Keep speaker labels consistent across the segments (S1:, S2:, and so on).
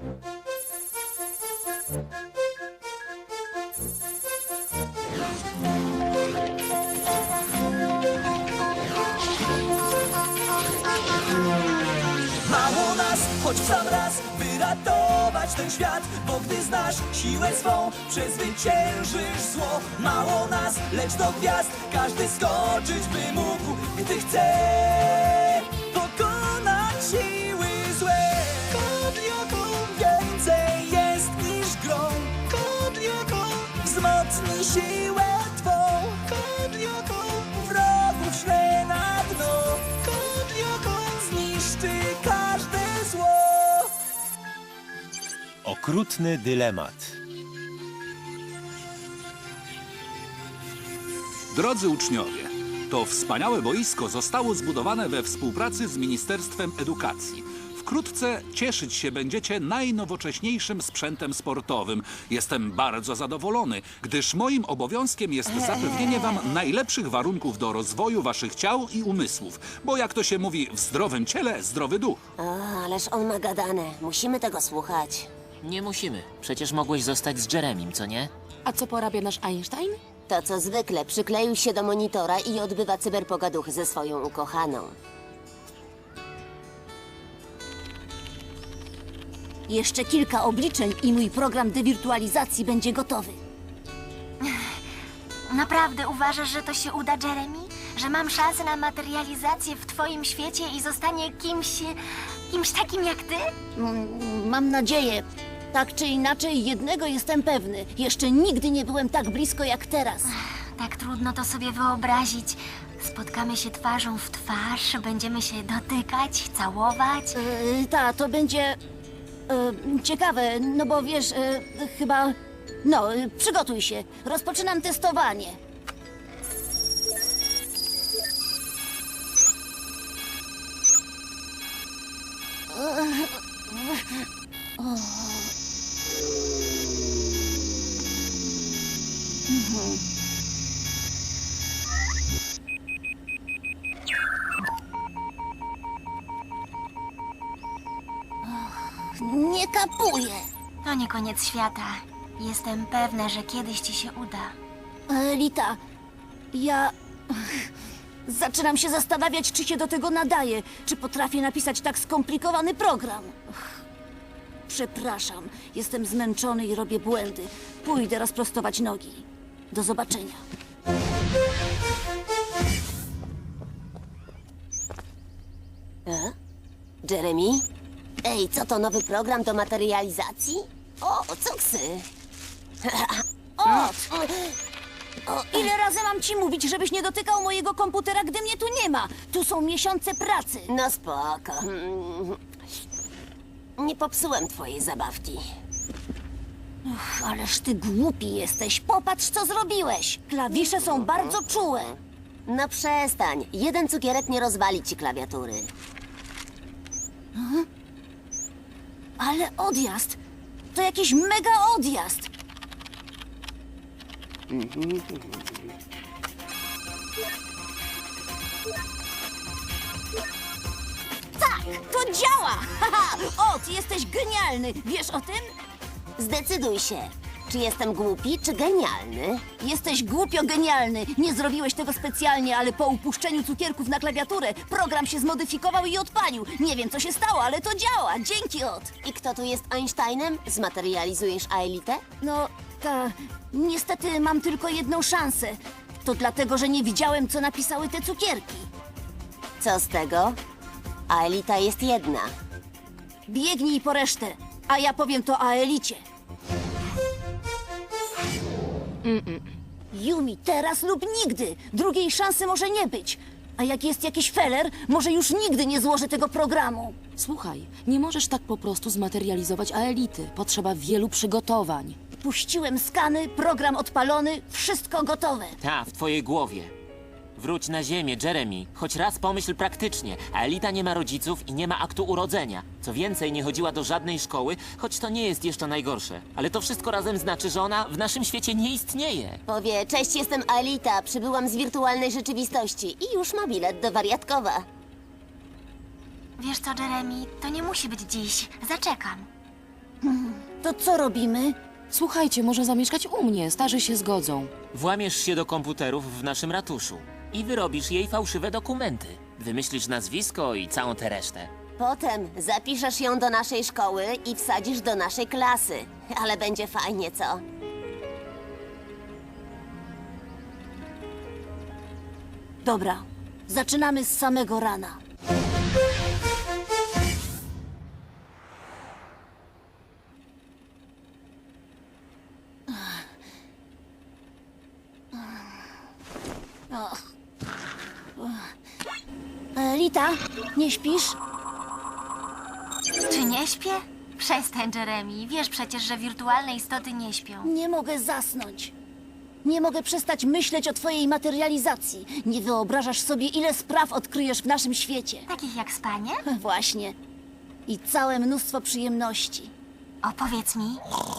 S1: Mało nas, choć w sam raz, by ratować ten świat. Bo gdy znasz siłę swą, przezwyciężysz zło. Mało nas, lecz do gwiazd każdy skoczyć by mógł, gdy chce pokonać siły złe. Kodlioko więcej jest niż grą. Kodlioko wzmocni siłę twą. Kodlioko wrogów szle na dno. Kodlioko zniszczy każde zło.
S2: Okrutny dylemat.
S3: Drodzy uczniowie, to wspaniałe boisko zostało zbudowane we współpracy z Ministerstwem Edukacji. Wkrótce cieszyć się będziecie najnowocześniejszym sprzętem sportowym. Jestem bardzo zadowolony, gdyż moim obowiązkiem jest zapewnienie wam najlepszych warunków do rozwoju waszych ciał i umysłów. Bo jak to się mówi, w zdrowym ciele zdrowy duch.
S4: Ależ on ma gadane. Musimy tego słuchać.
S5: Nie musimy. Przecież mogłeś zostać z Jeremim, co nie?
S6: A co porabia nasz Einstein?
S4: To co zwykle, przykleił się do monitora i odbywa cyberpogaduchy ze swoją ukochaną.
S7: Jeszcze kilka obliczeń i mój program dewirtualizacji będzie gotowy.
S8: Naprawdę uważasz, że to się uda, Jeremy? Że mam szansę na materializację w twoim świecie i zostanie kimś takim jak ty?
S7: Mam nadzieję. Tak czy inaczej, jednego jestem pewny. Jeszcze nigdy nie byłem tak blisko jak teraz.
S8: Tak trudno to sobie wyobrazić. Spotkamy się twarzą w twarz, będziemy się dotykać, całować.
S7: To będzie ciekawe, no bo wiesz, chyba... No, przygotuj się. Rozpoczynam testowanie. Nie kapuję.
S8: To nie koniec świata. Jestem pewna, że kiedyś ci się uda.
S7: Lita, ja... Zaczynam się zastanawiać, czy się do tego nadaje. Czy potrafię napisać tak skomplikowany program. Przepraszam, jestem zmęczony i robię błędy. Pójdę rozprostować nogi. Do zobaczenia.
S4: Jeremy? Ej, co to, nowy program do materializacji? O, cuksy!
S7: Ile razy mam ci mówić, żebyś nie dotykał mojego komputera, gdy mnie tu nie ma? Tu są miesiące pracy.
S4: No spoko. Nie popsułem twojej zabawki.
S7: Ależ ty głupi jesteś. Popatrz, co zrobiłeś. Klawisze są bardzo czułe.
S4: No przestań. Jeden cukierek nie rozwali ci klawiatury.
S7: Ale odjazd. To jakiś mega odjazd. Tak, to działa! Haha, Ot, jesteś genialny. Wiesz o tym?
S4: Zdecyduj się. Czy jestem głupi, czy genialny?
S7: Jesteś głupio genialny. Nie zrobiłeś tego specjalnie, ale po upuszczeniu cukierków na klawiaturę program się zmodyfikował i odpalił. Nie wiem, co się stało, ale to działa. Dzięki, Ot.
S4: I kto tu jest Einsteinem? Zmaterializujesz Aelitę?
S7: No, niestety mam tylko jedną szansę. To dlatego, że nie widziałem, co napisały te cukierki.
S4: Co z tego? Aelita jest jedna.
S7: Biegnij po resztę, a ja powiem to Aelicie. Yumi, teraz lub nigdy. Drugiej szansy może nie być. A jak jest jakiś feller, może już nigdy nie złożę tego programu.
S6: Słuchaj, nie możesz tak po prostu zmaterializować Aelity. Potrzeba wielu przygotowań.
S7: Puściłem skany, program odpalony, wszystko gotowe.
S5: Ta, w twojej głowie. Wróć na ziemię, Jeremy. Choć raz pomyśl praktycznie. Aelita nie ma rodziców i nie ma aktu urodzenia. Co więcej, nie chodziła do żadnej szkoły, choć to nie jest jeszcze najgorsze. Ale to wszystko razem znaczy, że ona w naszym świecie nie istnieje.
S4: Powie, cześć, jestem Aelita, przybyłam z wirtualnej rzeczywistości i już ma bilet do
S7: To co robimy?
S6: Słuchajcie, może zamieszkać u mnie, starzy się zgodzą.
S5: Włamiesz się do komputerów w naszym ratuszu i wyrobisz jej fałszywe dokumenty. Wymyślisz nazwisko i całą tę resztę.
S4: Potem zapiszesz ją do naszej szkoły i wsadzisz do naszej klasy. Ale będzie fajnie, co?
S7: Dobra, zaczynamy z samego rana. Lita, nie śpisz?
S8: Czy nie śpię? Przestań, Jeremy. Wiesz przecież, że wirtualne istoty nie śpią.
S7: Nie mogę zasnąć. Nie mogę przestać myśleć o twojej materializacji. Nie wyobrażasz sobie, ile spraw odkryjesz w naszym świecie.
S8: Takich jak spanie?
S7: Właśnie. I całe mnóstwo przyjemności.
S8: Opowiedz mi.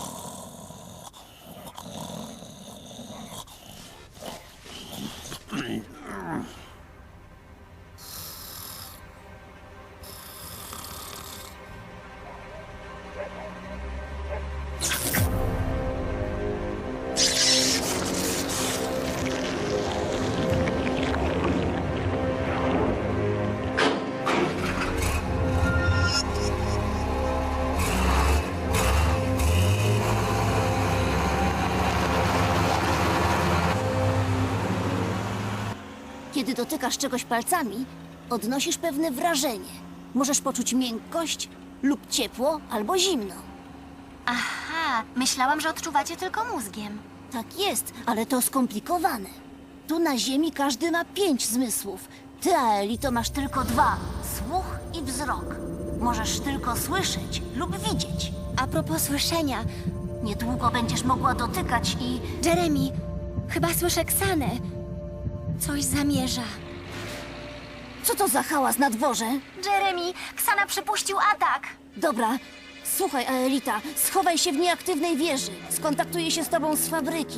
S7: Kiedy dotykasz czegoś palcami, odnosisz pewne wrażenie. Możesz poczuć miękkość lub ciepło albo zimno.
S8: Aha, myślałam, że odczuwacie tylko mózgiem.
S7: Tak jest, ale to skomplikowane. Tu na Ziemi każdy ma 5 zmysłów. Ty, Aelito, masz tylko 2. Słuch i wzrok. Możesz tylko słyszeć lub widzieć.
S8: A propos słyszenia,
S7: Niedługo będziesz mogła dotykać i...
S8: Jeremy, chyba słyszę Ksanę. Coś zamierza.
S7: Co to za hałas na dworze?
S8: Jeremy, Ksana przypuścił atak.
S7: Dobra, słuchaj, Aelita, schowaj się w nieaktywnej wieży. Skontaktuję się z tobą z fabryki.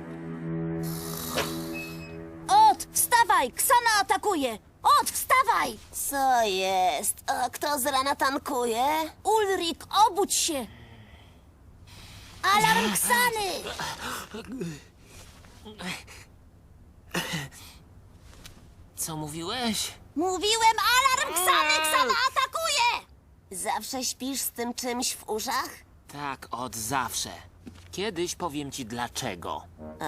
S7: Ot, wstawaj! Ksana atakuje! Ot, wstawaj!
S4: Co jest? A kto z rana tankuje?
S7: Ulrik, obudź się! Alarm Ksany!
S5: Co mówiłeś?
S7: Mówiłem, alarm Ksany! Ksana atakuje!
S4: Zawsze śpisz z tym czymś w uszach?
S5: Tak, od zawsze. Kiedyś powiem ci dlaczego.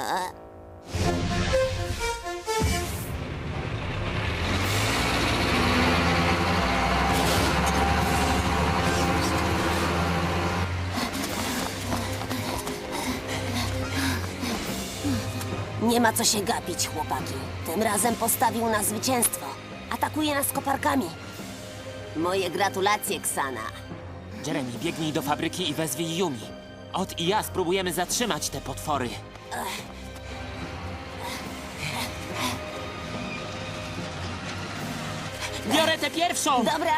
S4: Nie ma co się gapić, chłopaki. Tym razem postawił na zwycięstwo. Atakuje nas koparkami. Moje gratulacje, Ksana.
S5: Jeremy, biegnij do fabryki i wezwij Yumi. Ot i ja spróbujemy zatrzymać te potwory. Biorę tę pierwszą!
S4: Dobra.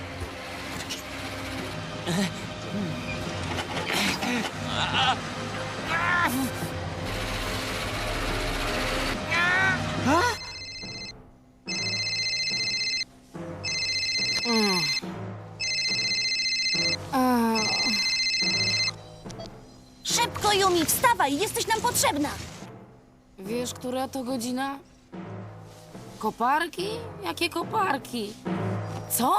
S7: Szybko, Yumi, wstawaj! Jesteś nam potrzebna!
S6: Wiesz, która to godzina? Koparki? Jakie koparki? Co?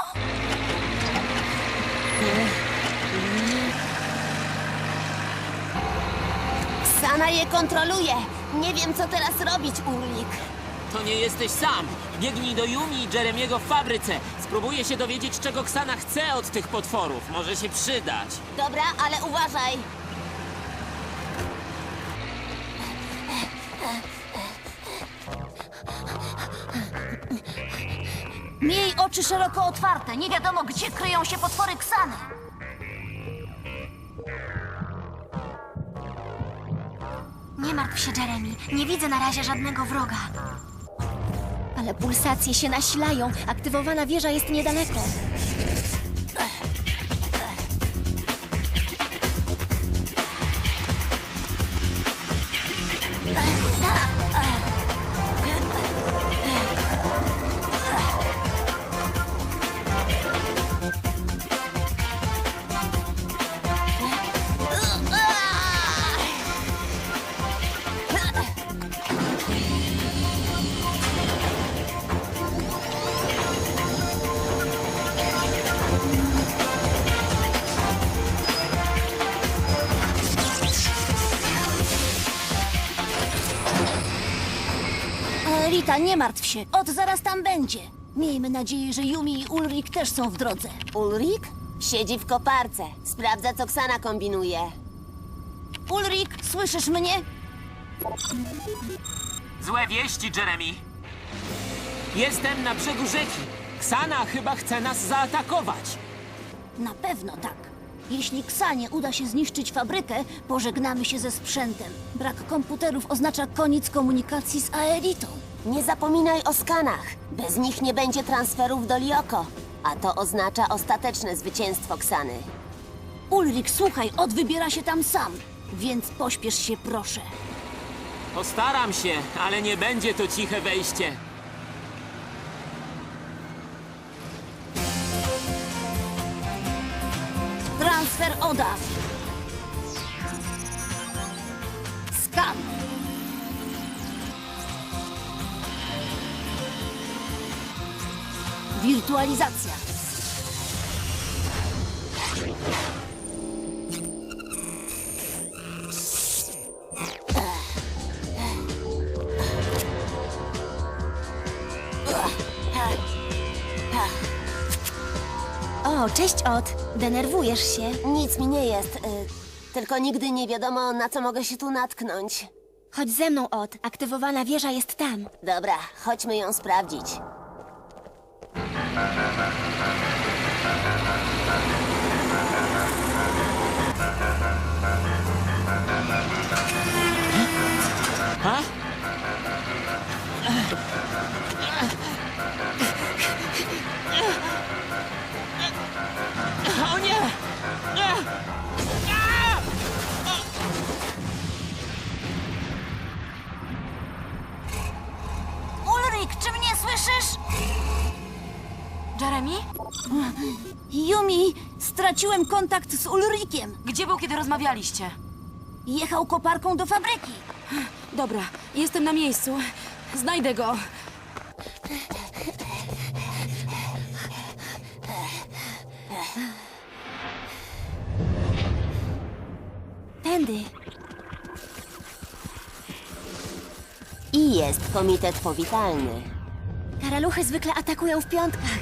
S4: Ksana je kontroluje. Nie wiem, co teraz robić, Ulrik.
S5: To nie jesteś sam. Biegnij do Yumi i Jeremiego w fabryce. Spróbuję się dowiedzieć, czego Ksana chce od tych potworów. Może się przydać.
S4: Dobra, ale uważaj.
S7: Miej oczy szeroko otwarte. Nie wiadomo, gdzie kryją się potwory Ksany.
S8: Nie martw się, Jeremy. Nie widzę na razie żadnego wroga. Ale pulsacje się nasilają. Aktywowana wieża jest niedaleko.
S7: Elita, nie martw się. Od zaraz tam będzie. Miejmy nadzieję, że Yumi i Ulrik też są w drodze.
S4: Ulrik? Siedzi w koparce. Sprawdza, co Ksana kombinuje.
S7: Ulrik, słyszysz mnie?
S5: Złe wieści, Jeremy. Jestem na brzegu rzeki. Ksana chyba chce nas zaatakować.
S7: Na pewno tak. Jeśli Ksanie uda się zniszczyć fabrykę, pożegnamy się ze sprzętem. Brak komputerów oznacza koniec komunikacji z Aelitą.
S4: Nie zapominaj o skanach. Bez nich nie będzie transferów do Lioko. A to oznacza ostateczne zwycięstwo Ksany.
S7: Ulrik, słuchaj, Od wybiera się tam sam. Więc pośpiesz się, proszę.
S5: Postaram się, ale nie będzie to ciche wejście.
S7: Transfer Oda. Skan. Wirtualizacja.
S8: O, cześć, Od. Denerwujesz się?
S4: Nic mi nie jest. Tylko nigdy nie wiadomo, na co mogę się tu natknąć.
S8: Chodź ze mną, Od. Aktywowana wieża jest tam.
S4: Dobra, chodźmy ją sprawdzić.
S5: Ha? O nie!
S7: Ulrik, czy mnie słyszysz?
S6: Jeremy?
S7: Yumi, straciłem kontakt z Ulrikiem.
S6: Gdzie był, kiedy rozmawialiście?
S7: Jechał koparką do fabryki.
S6: Dobra, jestem na miejscu. Znajdę go.
S8: Tędy.
S4: I jest komitet powitalny.
S8: Karaluchy zwykle atakują w piątkach.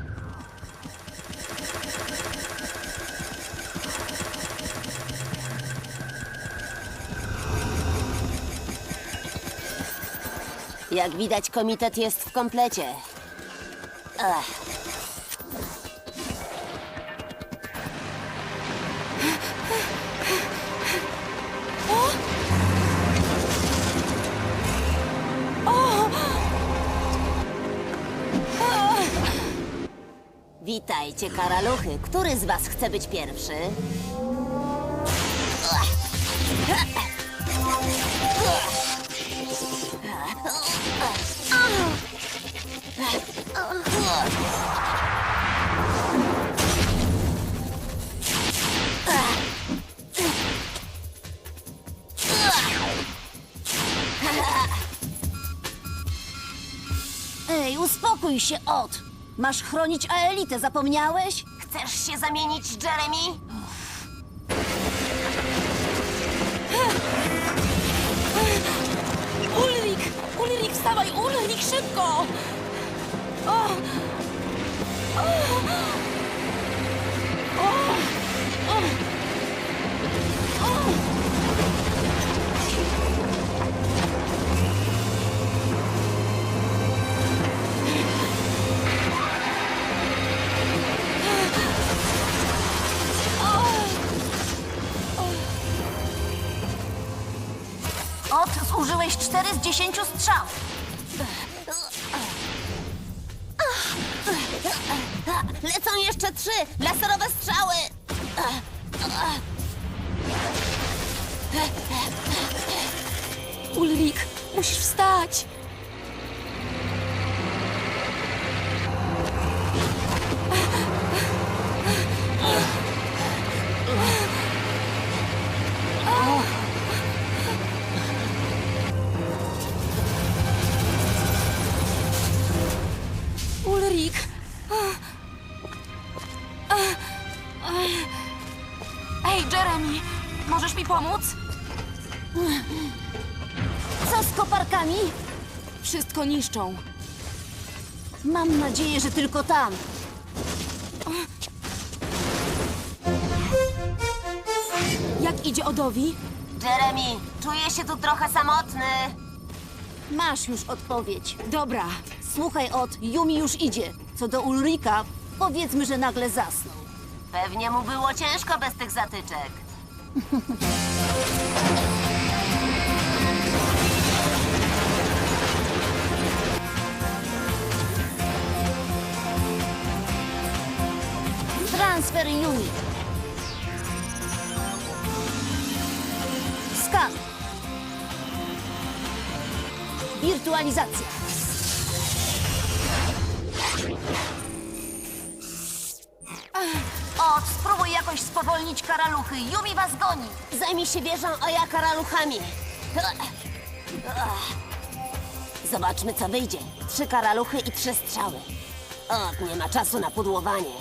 S4: Jak widać, komitet jest w komplecie. Ech. Witajcie, karaluchy. Który z was chce być pierwszy?
S7: Ej, uspokój się, Od. Masz chronić Aelitę, zapomniałeś?
S4: Chcesz się zamienić, Jeremy?
S6: Ulrik! Ulrik, wstawaj! Ulrik, szybko! O! O! O!
S7: Od, zużyłeś 4 z 10 strzał.
S4: Lecą jeszcze 3! Laserowe strzały!
S6: Ulrik, musisz wstać! Ulrik! Ej, Jeremy! Możesz mi pomóc?
S7: Co z koparkami?
S6: Wszystko niszczą.
S7: Mam nadzieję, że tylko tam.
S6: Jak idzie Odowi?
S4: Jeremy, czuję się tu trochę samotny.
S7: Masz już odpowiedź.
S6: Dobra.
S7: Słuchaj, Yumi już idzie. Co do Ulrika, powiedzmy, że nagle zasnął.
S4: Pewnie mu było ciężko bez tych zatyczek.
S7: Transfer Yumi. Skan. Wirtualizacja. Spróbuj jakoś spowolnić karaluchy. Yumi was goni.
S4: Zajmij się wieżą, a ja karaluchami. Zobaczmy, co wyjdzie. 3 karaluchy i 3 strzały. O, nie ma czasu na pudłowanie.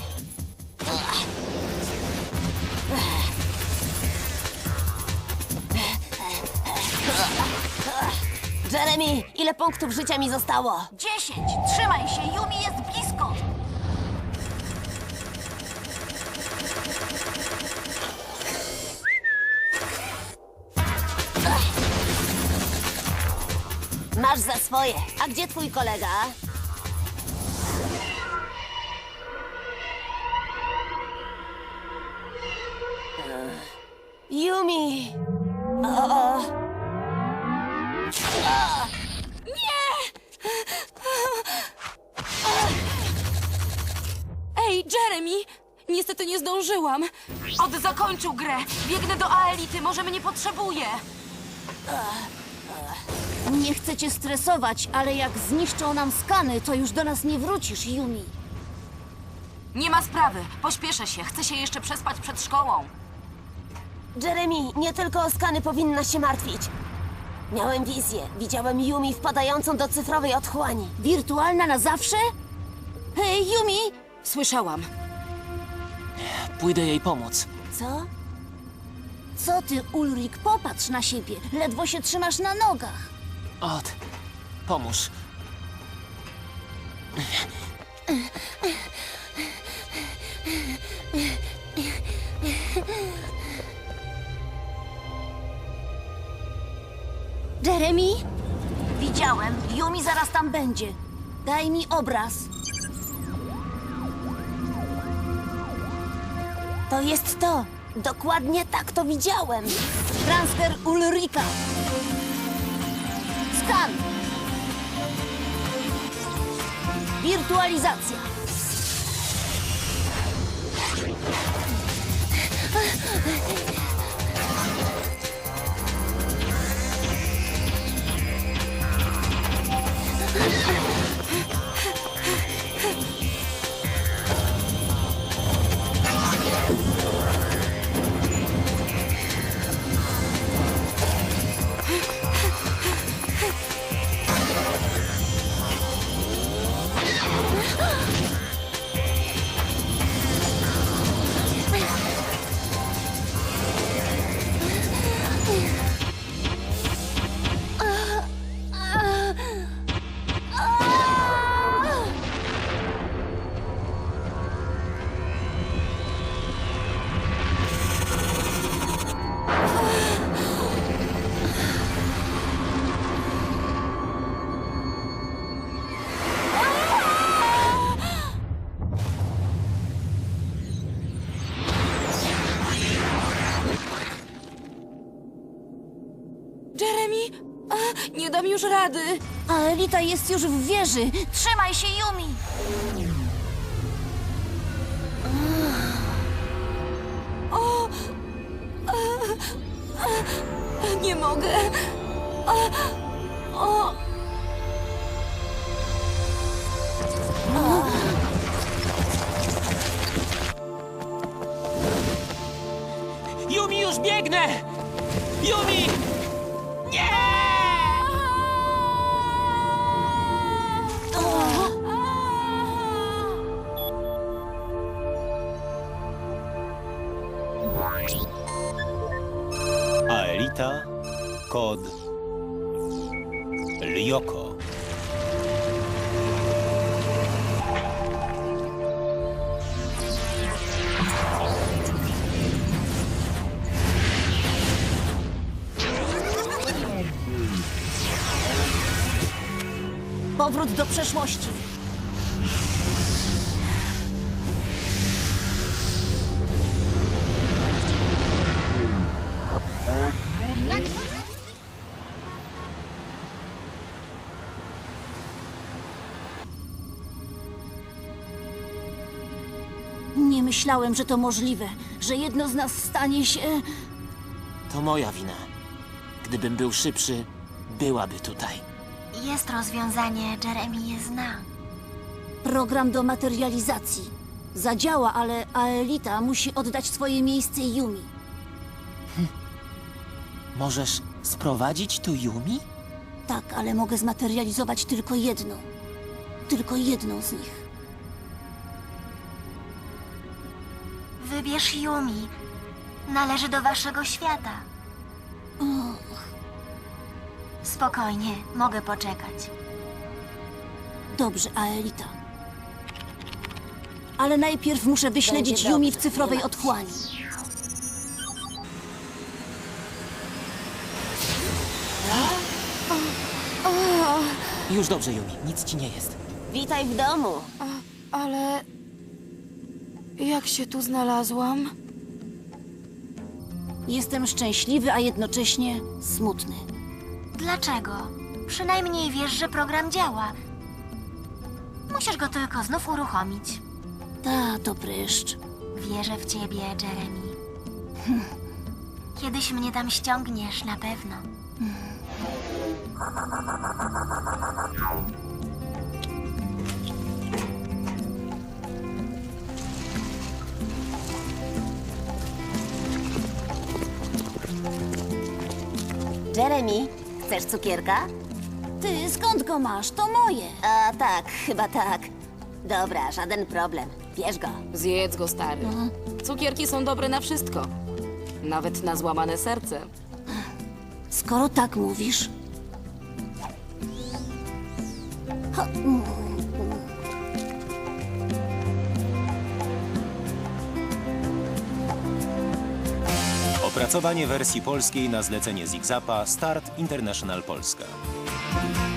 S4: Jeremy, ile punktów życia mi zostało?
S7: 10. Trzymaj się, Yumi jest blisko.
S4: Masz za swoje. A gdzie twój kolega? Yumi!
S6: Ej, Jeremy! Niestety nie zdążyłam. Od zakończył grę. Biegnę do Aelity, może mnie potrzebuje.
S7: Nie chcę cię stresować, ale jak zniszczą nam skany, to już do nas nie wrócisz, Yumi.
S6: Nie ma sprawy. Pośpieszę się. Chcę się jeszcze przespać przed szkołą.
S4: Jeremy, nie tylko o skany powinnaś się martwić. Miałem wizję. Widziałem Yumi wpadającą do cyfrowej otchłani.
S7: Wirtualna na zawsze? Hej, Yumi!
S6: Słyszałam.
S5: Pójdę jej pomóc.
S4: Co?
S7: Co ty, Ulrik? Popatrz na siebie. Ledwo się trzymasz na nogach.
S5: Od, pomóż.
S7: Jeremy? Widziałem. Yumi zaraz tam będzie. Daj mi obraz.
S4: To jest to. Dokładnie tak to widziałem.
S7: Transfer Ulrika. Skan. Wirtualizacja.
S6: Jeremy! Nie dam już rady.
S7: Aelita jest już w wieży. Trzymaj się, Yumi.
S6: Nie mogę.
S5: Yumi, już biegnę! Yumi! Nie!
S2: Aelita, kod Lyoko.
S7: powrót do przeszłości. Nie myślałem, że to możliwe, że jedno z nas stanie się...
S5: To moja wina. Gdybym był szybszy, byłaby tutaj.
S8: Jest rozwiązanie, Jeremy je zna.
S7: Program do materializacji. Zadziała, ale Aelita musi oddać swoje miejsce Yumi.
S5: Możesz sprowadzić tu Yumi?
S7: Tak, ale mogę zmaterializować tylko jedną. Tylko jedną z nich.
S8: Wybierz Yumi. Należy do waszego świata. Spokojnie, mogę poczekać.
S7: Dobrze, Aelita. Ale najpierw muszę wyśledzić
S4: Będzie
S7: Yumi w
S4: dobrze,
S7: cyfrowej
S4: nie martw się.
S7: otchłani.
S5: Już dobrze, Yumi. Nic ci nie jest.
S4: Witaj w domu.
S6: Ale... Jak się tu znalazłam?
S7: Jestem szczęśliwy, a jednocześnie smutny.
S8: Dlaczego? Przynajmniej wiesz, że program działa. Musisz go tylko znów uruchomić.
S7: Ta, to pryszcz.
S8: Wierzę w ciebie, Jeremy. Kiedyś mnie tam ściągniesz, na pewno.
S4: Jeremy, chcesz cukierka?
S7: Ty, skąd go masz? To moje.
S4: A tak, chyba tak. Dobra, żaden problem. Bierz go.
S6: Zjedz go, stary. Cukierki są dobre na wszystko. Nawet na złamane serce.
S7: Skoro tak mówisz... Ha,
S2: Opracowanie wersji polskiej na zlecenie Zigzapa Start International Polska.